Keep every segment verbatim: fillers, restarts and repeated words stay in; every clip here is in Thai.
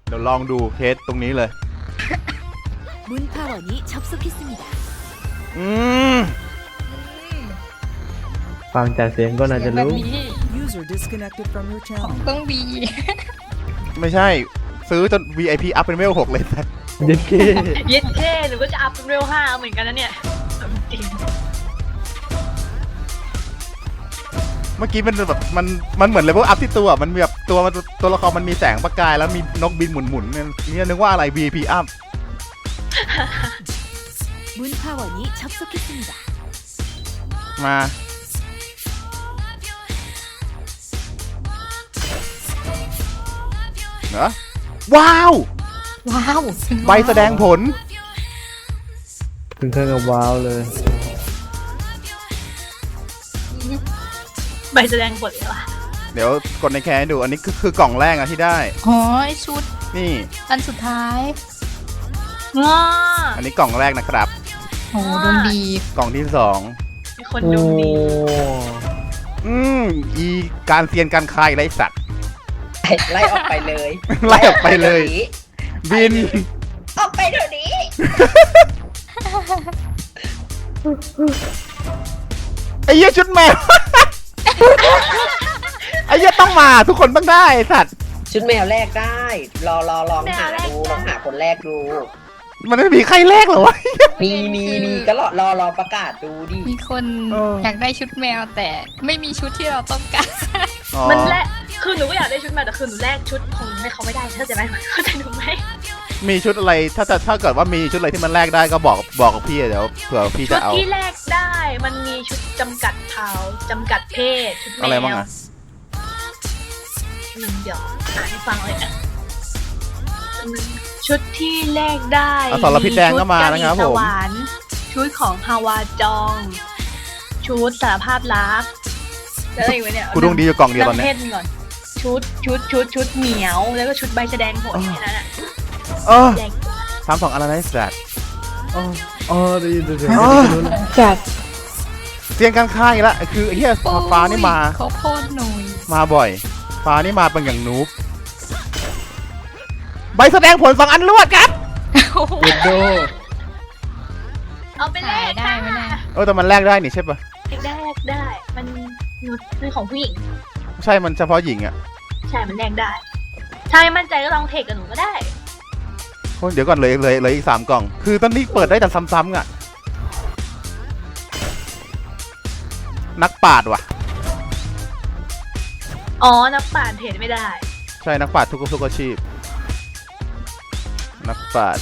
เดี๋ยวลองดูเทสตรงนี้เลย 문파원이 접속했습니다 อืมฟังจากเสียงก็น่าจะรู้ User disconnected from your ของ channel. เครื่องบีไม่ใช่ซื้อจน วี ไอ พี อัพเป็นเวลหกเลยนะเย็ดเก้เย็ดเท่หนูก็จะอัพเป็นเวลห้าเหมือนกันนะเนี่ยจริงเมื่อกี้มันแบบมันมันเหมือนเลเวลอัพที่ตัวมันมีแบบตัวมันตัวละครมันมีแสงประกายแล้วมีนกบินหมุนๆเนี่ยนี่นึกว่าอะไร วี ไอ พี อัพ 문파원이 접속했습니다 มาเหรอว้าวว้าวใบแสดงผลถึงขั้นกับว้าวเลยใบแสดงผลเลยว่ะเดี๋ยวกดในแคร์ให้ดูอันนี้คือคือกล่องแรกอะที่ได้อ๋อไอชุดนี่อันสุดท้ายง้ออันนี้กล่องแรกนะครับโหดวงดีกล่องที่สองมีคนดูดีอืมอีการเซียนการคายไรสัตว์ไล่ออกไปเลยไล่ออกไปเลย บินออกไปเดี๋ยวนี้ไอ้เหี้ยชุดแมว ไอ้เหี้ยต้องมาทุกคนต้องได้ไอ้สัตว์ชุดแมวแรกได้ รอรอลองหาดูลองหาคนแรกดูมันไม่มีใครแรกเหรอวะมีมีมีก็รอรอรอประกาศดูดิมีคนเออออยากได้ชุดแมวแต่ไม่มีชุดที่เราต้องการอ๋อมันแลกคือหนูก็อยากได้ชุดมาแต่คือหนูแลกชุดของให้เขาไม่ได้เข้าใจไหมเข้าใจหนูไหมมีชุดอะไรถ้าจะถ้าเกิดว่ามีชุดอะไรที่มันแลกได้ก็บอกบอกกับพี่เดี๋ยวเผื่อพี่ชุจะดเอาที่แลกได้มันมีชุดจำกัดเผ่าจำกัดเพศชุดแมวอะไรบ้างอะหนึ่งเดี๋ยวอ่านให้ฟังเลยนะชุดที่แลกได้อสรพิษแดงก็มานะครับผมชุดกะหรี่สวรรค์ชุดของฮาวาจอง ชุดสารภาพรักแล้วอะไรอีกวะเนี่ยกูดวงดีอยู่กล่องเดียวตอนนำเนี้เพยศก่อนชุดชุดชุดชุดเหมียว แล้วก็ชุดใบแสดงผลแค่นั้นอะเออแดงทำสองอะไรนะไอ้สัตว์อ๋ออ๋อได้ยินได้ยินอ๋อจัดเซียนการค้าอีกแล้วคือไอ้เหี้ยฟ้านี่มาเขาโพดหนุ่ยมาบ่อย ฟ้านี่มาเป็นอย่างนูบใบแสดงผลสองอันรวดครับเย็ดโดเอาไปแลขายกได้ไหมเนี่ยเออแต่มันแลกได้นี่ใช่ปะแลกได้ มันมันของผู้หญิงใช่มันเฉพาะหญิงอ่ะใช่ มันแลกได้ ถ้าไม่มั่นใจก็ลองเทคกับหนูก็ได้โอ้ยเดี๋ยวก่อนเลยเลยเลยอีกสามกล่อง คือตอนนี้เปิดได้แต่ซ้ำๆอ่ะ นักปราดว่ะอ๋อ นักป่านเทรดไม่ได้ใช่นักปราดทุกทุกอาชีพ นักปราด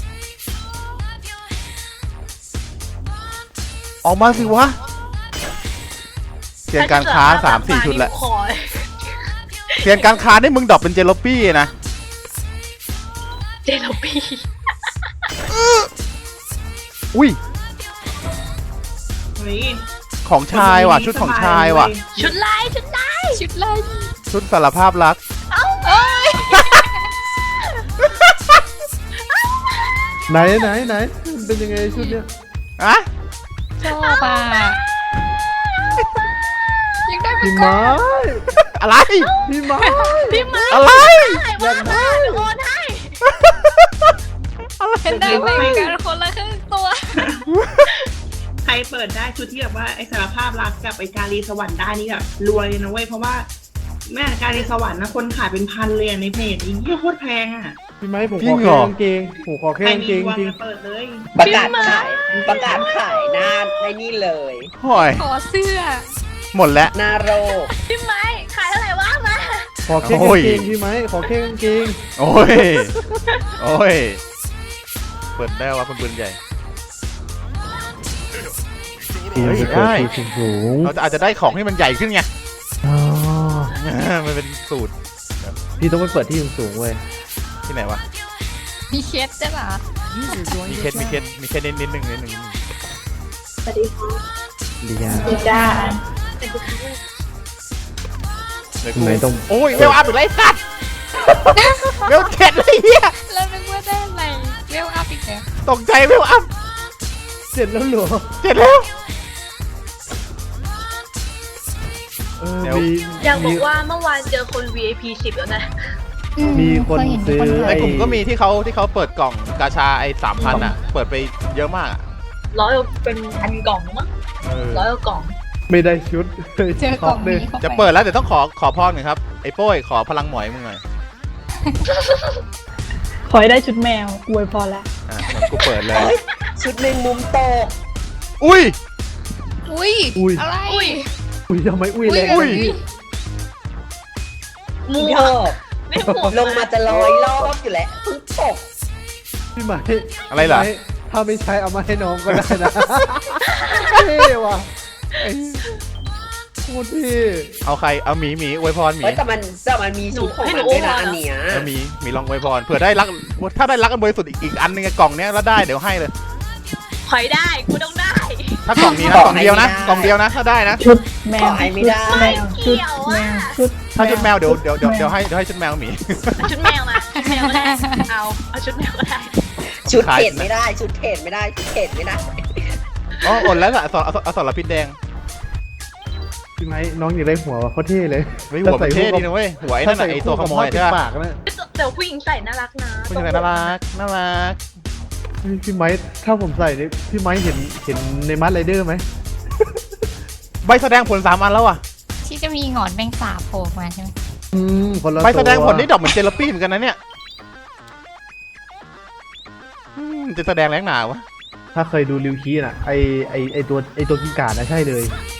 ออกมาสิวะเซียนการค้าสามสี่ชุดแหละขอเซียนการค้าได้มึงดรอปเป็นเจลปี้นะเจลปี้อุ้ยของชายว่ะ ชุดของชายว่ะชุดลายชุดลายชุดไล่ชุดสารภาพรักเอ้ยไหนไหนไหนมันเป็นยังไงชุดเนี้ยอะชอบอ่ะยังได้ไปพี่ก่อไม้นอะไรพี่ไม้พี่ไม้อะไรว่ามาโอนให้เป็นได้ไปกันคนละครึ่งตัวใครเปิดได้ชุดที่แบบว่าไอสารภาพรักกับไอการีสวรรค์ได้นี่แบบรวยเลยนะเว้ยเพราะว่าแม่การีสวรรค์นะคนขายเป็นพันเลยอะในเพจอีกเหี้ยโคตรแพงอ่ะพี่ไม้ผมจริของเหรแค่อกางเกงผมขอแค่ใครกางมีเกงดวงจริงอะเปิดเลยประกาศขายประกาศขายหน้าในนี่เลยห่อยขอเสื้อหมดแล้วหน้าโรคพี่ไม้ขายเท่าไหร่วะมาขอแค่โอ้กาย งเกงพี่ไม้ขอแค่กางเกงโอ้ย โอ้ย เปิดได้ว่าเป็นปืนใหญ่พี่ยังจะเปิดที่สูงเราจะอาจจะได้ของที่มันใหญ่ขึ้นไงอ๋อมันเป็นสูตรพี่ต้องไปเปิดที่สูงๆเว้ยที่ไหนวะมีเคสใช่ปะ User มี joined เค your สมีเคส channel. มีเคสนิดนิดนึงนิดนึงนิดนึงสวัสดีค่ะดีอ่ะดีจ้าเดี๋ยวทำไมต้องโอ้ยเวลอัพอีกไรสัตว์เวลเจ็ดเลยเฮียแล้วนึกว่าได้อะไรเวลอัพอีกแล้วตกใจเวลอัพเสร็จแล้วเหรอเจ็ดแล้วเออเดี๋ยวมีอยากบอมีกว่าเมื่อวานเจอคน วี ไอ พี สิบแล้วนะอืมีคนเยเห็ซื้อมีคนในขายกลุ่มก็มีที่เขาที่เขาเปิดกล่องกาชาไอ้สามพันอ่ะ เปิดไปเยอะมากอะร้อยเป็นพันกล่องมั้งเออร้อยกล่องไม่ได้ชุดเจอกล่องนี้เข้าไปจะเปิดแล้วเดี๋ยวต้องขอขอพรหน่อยครับไอ้โป้ยขอพลังหมอยมึงหน่อยขอให้ได้ชุดแมวอวยพอละอ่ะเหมือนกูเปิดเลยเฮ้ย ชุดหนึ่งมุมโตกอุ้ยอุ้ยอุ้ยอะไรอุ้ยอุ้ยทำไมอุ้ยแรงอุ้ยหมูเยอะนี่หมวกลงมาจะลอยรอบอยู่แล้วเพิ่งตกพี่ไหมอะไรล่ะพี่มถ้าไม่ใช้เอามาให้น้องก็ได้นะเท่ว่ะไอ้โคตรเท่เอาใครเอาหมีหมีอวยพรหมีเฮ้ยแต่มันแต่มันมีชุดของมันด้วยนะอันเนี้ยเอาหมีหมีลองอวยพรเผื่อได้รักถ้าได้รักกันบริสุทธิ์อีกอีกอันนึงอะกล่องเนี้ยแล้วได้เดี๋ยวให้เลยขอยได้กูต้องได้ถ้ากล่องนี้นะกล่องเดียวนะกล่องเดียวนะถ้าได้นะชุดแมขอวให้ไม่ได้แมวชุดแมวชุดถ้าชุดแมวเดี๋ยวเดี๋ยวเดี๋ยวเดี๋ยวให้เดี๋ยวให้ชุดแมวหมีชุดแมวมาชุดแมวก็ได้เอาเอาชุดแมวก็ได้ชุดขายเทรดไม่ได้ ชุดเทรดไม่ได้ ชุดเทรดไม่ได้อ๋ออดแล้วล่ะอสรอสรพิษแดงพี่ไหมน้องอยากได้หัวว่ะโคตรเท่เลยเฮ้ยหัวมันเท่ดีนะเว้ยหัวไอ้นั่นน่ะไอ้ตัวขโมยใช่ปปะปากนะแต่ผู้หญิงใส่น่ารักนะผู้ชายน่ารักน่ารักเฮ้ยพี่ไม้ถ้าผมใส่นี่พี่ไม้เห็นเห็นในมัดไรเดอร์ไหมใบแสดงผลสามอันแล้วอ่ะที่จะมีหงอนแมงสาบโผล่มาใช่ไหมอืมคนละใบแสดงผลตัวนี่ดอกเหมือนเจลปี้เหมือนกันนะเนี่ยอืมจะแสดงแรงหนาวะถ้าเคยดูริวคีน่ะไอไอไอตัวไอตัวกิ้งก่านะใช่เลย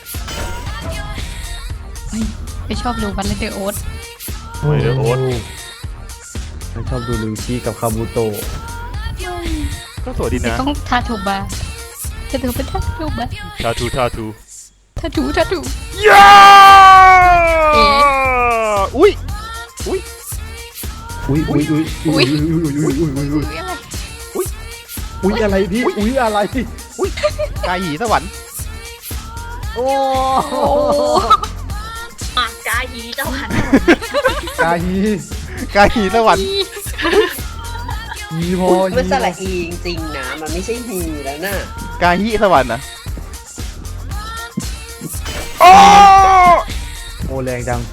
ไปชอบดูบัลเลเดอร์โอ๊ตโอ้ยเดี๋ยวโอ๊ตฉันชอบดูริวคีกับคาบูโตะก็สวยดีนะต้องทาถูบาจะถือเป็นทาถูบาทาทูทาทูทาถูทาถูย้าเอ๊ะอุ้ยอุ้ยอุ้ยอุ้ยอุ้ยอุ้ยอุ้ยอุ้ยอุ้ยอุ้ยอุ้ยอุ๊ยอะไรอุ้ยอะไรพี่อุ้ยอะไรอุ้ยกายหีสวรรค์โอ้โอ้ปากกาฮีเจ้าหันกาฮีกายหีสวรรค์ฮีพอมันสละอีจริงๆนะ มันไม่ใช่ฮีแล้วน่ะกายหีสวรรค์นะโอ้โอแรงจัง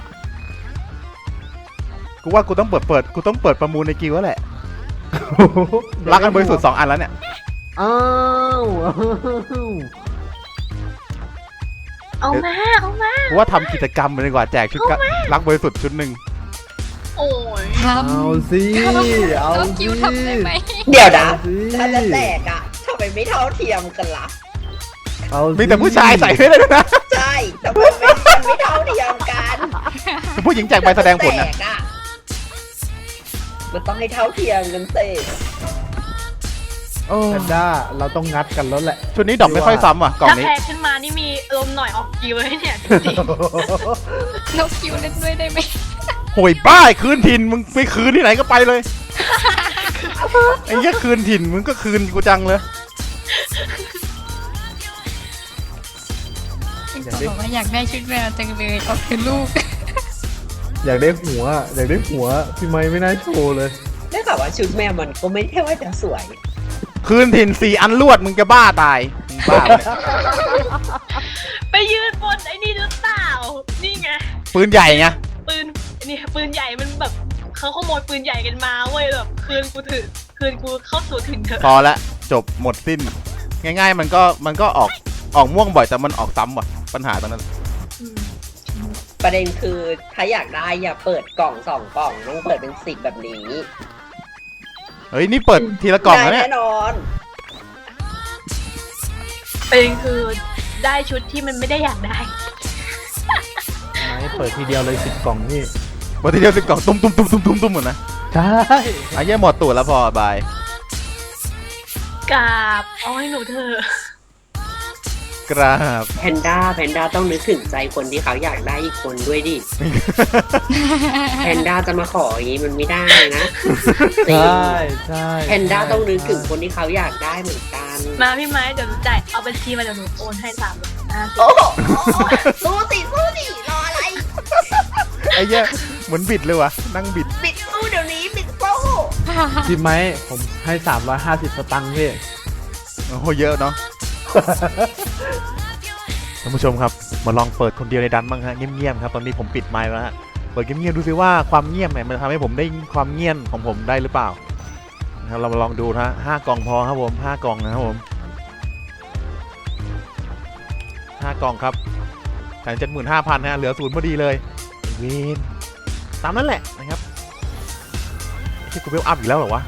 กูว่ากูต้องเปิดเปิดกูต้องเปิดประมูลในกิวแล้วแหละรักกันบริสุทธิ์สองอันแล้วเนี่ยอ้าวอ้าวเอามาเอามากูว่าทำกิจกรรมไปดีกว่าแจกชุดกะรักบริสุทธิ์ชุดหนึ่งโอ้ยทเอาสิำเอาแล้วสิคิวทำได้ไหมเดี๋ยวนะเอาสิถ้าจะแจกอะทำไมไม่เท่าเทียมกันล่ะเอาสิมีแต่ผู้ชายใส่ไม่ได้ด้วยนะใช่แต่มันไม่มันไม่เท่าเทียมกันผู้หญิงแจกใบแสดงผลนะแจกอะมันต้องให้เท่าเทียมกันสิโอ้แพนด้าเราต้องงัดกันแล้วแหละชุดนี้ดอกไม่ค่อยซ้ำว่ะกล่องถ้านี้แพ้ขึ้นมานี่มีลมหน่อยออกกิวเลยเนี่ยจริงนกคิวเล่นด้วยได้ไหมโหยบ้าคืนถิ่นมึงไม่คืนที่ไหนก็ไปเลยไอ้เหี้ยคืนถิ่นมึงก็คืนกูจังเลยเขาบอกว่าอยากได้ชุดแมวจังเลยเอาคือลูกอยากได้หัวอยากได้หัวพี่ไม้ไม่น่าโชว์เลยได้ข่าวว่าชุดแม่มันก็ไม่ใช่ว่าจะสวยคืนถิ่นสี่อันลวดมึงจะบ้าตายมึงบ้าปะเนี่ยๆไปยืนบนไอ้นี่หรือเปล่านี่ไงปืนใหญ่ไงปืนนี่ปืนใหญ่มันแบบเขาขโมยปืนใหญ่กันมาเว้ยแบบคืนกูถือคืนกูเข้าสู่ถึงเถอะพอละจบหมดสิ้น ง่าย ๆ มันก็มันก็ออกออกม่วงบ่อยแต่มันออกซ้ำว่ะปัญหาตรงนั้นอืมประเด็นคือถ้าอยากได้อย่าเปิดกล่องสองกล่องต้องเปิดเป็นสิบแบบนี้เฮ้ยนี่เปิดทีละกล่องได้แล้วเนี่ยแน่นอนประเด็นคือได้ชุดที่มันไม่ได้อยากได้ไม้เปิดทีเดียวเลยสิบกล่องนี่เปิดทีเดียวสิบกล่องตุ้มตุ้มตุ้มตุ้มตุ้มตุ้มหมดนะใช่ไอ้เหี้ยหมดตูดแล้วพอบายกราบเอาให้หนูเถอะกราบแพนด้าแพนด้าต้องนึกถึงใจคนที่เขาอยากได้อีกคนด้วยดิ แพนด้าจะมาขออย่างนี้มันไม่ได้นะจริงใช่ใช่แพนด้าต้องนึกถึงคนที่เขาอยากได้เหมือนกันมาพี่ไม้เดี๋ยวหนูจ่ายเอาบัญชีมาเดี๋ยวหนูโอนให้สามร้อยห้าสิบโอ้โหสู้สิสู้สิรออะไรไอ้เหี้ยเหมือนบิดเลยวะนั่งบิดปิดสู้เดี๋ยวนี้ปิดสู้พี่ไม้ผมให้สามร้อยห้าสิบสตังค์พี่โอ้โหเยอะเนาะ ท่านผู้ชมครับมาลองเปิดคนเดียวในดันบ้างฮะเงียบๆครับตอนนี้ผมปิดไมค์แล้วฮะปิดเงียบๆดูซิว่าความเงียบเนี่ยมันทำให้ผมได้ความเงียบของผมได้หรือเปล่านะครับเรามาลองดูนะห้ากล่องพอครับผมห้ากล่องนะครับผมห้ากล่องครับแสนเจ็ดหมื่นห้าพันนะเหลือศูนย์พอดีเลยเวนตามนั้นแหละนะครับที่กูเวลอัพอีกแล้วเหรอวะ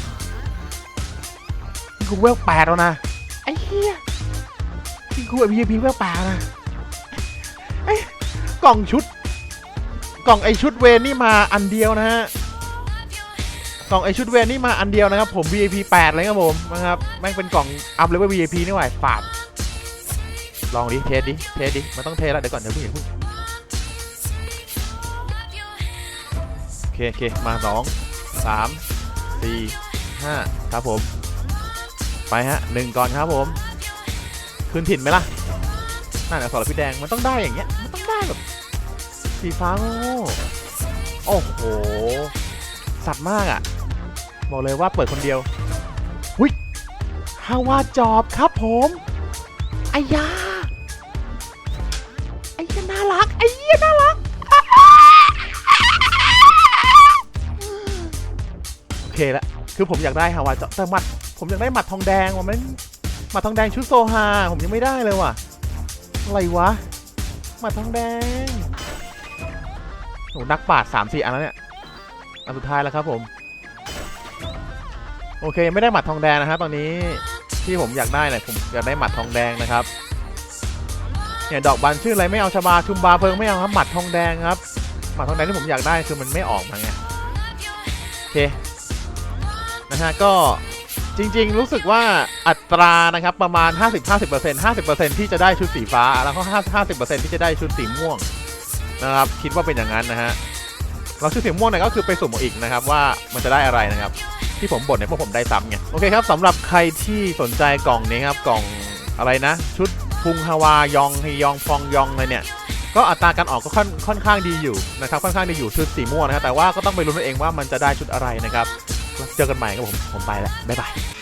นี่กูเวลแปดแล้วนะไอ้เหี้ยนี่กู วี ไอ พี เวลแปดนะไอ้กล่องชุดกล่องไอชุดเวนนี่มาอันเดียวนะฮะกล่องไอชุดเวนนี่มาอันเดียวนะครับผม วี ไอ พี แปดเลยครับผมนะครับแม่งเป็นกล่องอัพเลเวล วี ไอ พี นี่หว่าฝาดลองดิเทสดิเทสดิมันต้องเทสแล้วเดี๋ยวก่อนเดี๋ยวพึ่งอย่าพึ่งโอเคโอเคมาสองสามสี่ห้าครับผมไปฮะหนึ่งก่อนครับผมคืนถิ่นไหมล่ะน่าจะสอนพี่แดงมันต้องได้อย่างเงี้ยมันต้องได้แบบสีฟ้าโง่โอ้โหสัตว์มากอ่ะบอกเลยว่าเปิดคนเดียวหุ้ยฮาวาจอบครับผมไอ้ยาไอ้ยาน่ารักไอ้ยาน่ารักโอเคละคือผมอยากได้ฮาวาจอบแต่หมัดผมอยากได้หมัดทองแดงว่ะมันหมัดทองแดงชุดโซฮาผมยังไม่ได้เลยว่ะอะไรวะหมัดทองแดงโหนักปราชญ์สามสี่อันแล้วเนี่ยอันสุดท้ายแล้วครับผมโอเคยังไม่ได้หมัดทองแดงนะครับตอนนี้ที่ผมอยากได้เนี่ยผมอยากได้หมัดทองแดงนะครับเนี่ยดอกบานชื่ออะไรไม่เอาชบาชุมบาเพิงไม่เอาครับหมัดทองแดงครับหมัดทองแดงที่ผมอยากได้คือมันไม่ออกมาไงโอเคนะฮะก็จริงๆรู้สึกว่าอัตรานะครับประมาณ ห้าสิบ ห้าสิบเปอร์เซ็นต์ ห้าสิบเปอร์เซ็นต์ ที่จะได้ชุดสีฟ้าแล้วก็ ห้าสิบเปอร์เซ็นต์ ที่จะได้ชุดสีม่วงนะครับคิดว่าเป็นอย่างนั้นนะฮะเราชุดสีม่วงเนี่ยก็คือไปสุ่มเอาอีกนะครับว่ามันจะได้อะไรนะครับที่ผมบ่นเนี่ยพวกผมได้ซ้ำไงโอเคครับสำหรับใครที่สนใจกล่องนี้ครับกล่องอะไรนะชุดพุงฮาวายองฮยองฟองยองอะไรเนี่ยก็อัตราการออกก็ค่อนค่อนข้างดีอยู่นะครับค่อนข้างดีอยู่ชุดสีม่วงนะครับแต่ว่าก็ต้องไปลุ้นเองว่ามันจะได้ชุดอะไรนะครับเจอกันใหม่ครับผมผมไปแล้วบ๊ายบาย